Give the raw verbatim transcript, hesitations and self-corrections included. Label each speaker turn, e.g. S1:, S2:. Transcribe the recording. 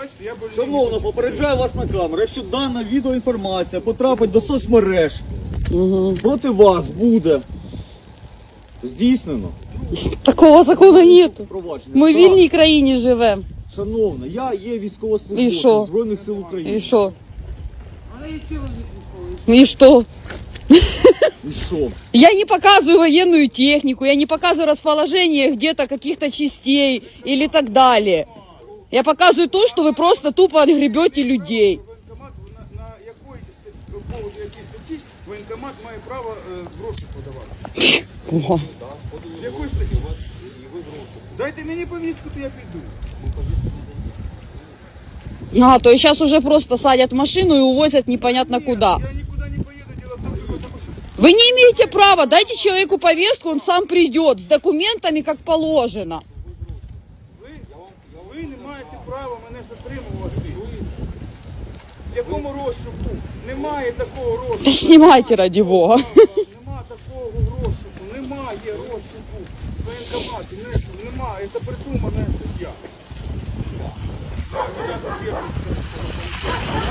S1: Бачите, я больний.
S2: Шановно, попереджаю вас на камеру. Якщо дана відеоінформація потрапить до соцмереж,
S3: Угу.
S2: проти вас буде здійснено
S3: Такого закону нету.
S2: провадження.
S3: Ми в
S2: Так,
S3: вільній країні живемо.
S2: Шановна, я є
S3: І
S2: військовослужбовцем
S3: що?
S2: Збройних сил України.
S3: І що? І що?
S2: І що?
S3: Я не показываю военную технику, я не показываю расположение где-то каких-то частей или так далее. Я показываю то, что вы просто тупо отгребете людей.
S1: Воєнкомат, на, на якої статті, по поводу якій статті воєнкомат має право е, гроші подавати?
S3: О.
S1: В якої статті? Дайте мені повістку, то я піду.
S3: А, то есть сейчас уже просто садят в машину и увозят непонятно куда.
S1: Я нікуди не поїду, діло в тому, що потому що
S3: Вы не имеете права, дайте человеку повестку, он сам придет с документами, как положено.
S1: ви, ви не маєте права мене затримувати. В якому розшуку? Немає такого
S3: Да
S1: розшуку.
S3: снимайте ради бога.
S1: Нема такого розшуку, немає розшуку з воєнкомату, не, немає, це придумана стаття.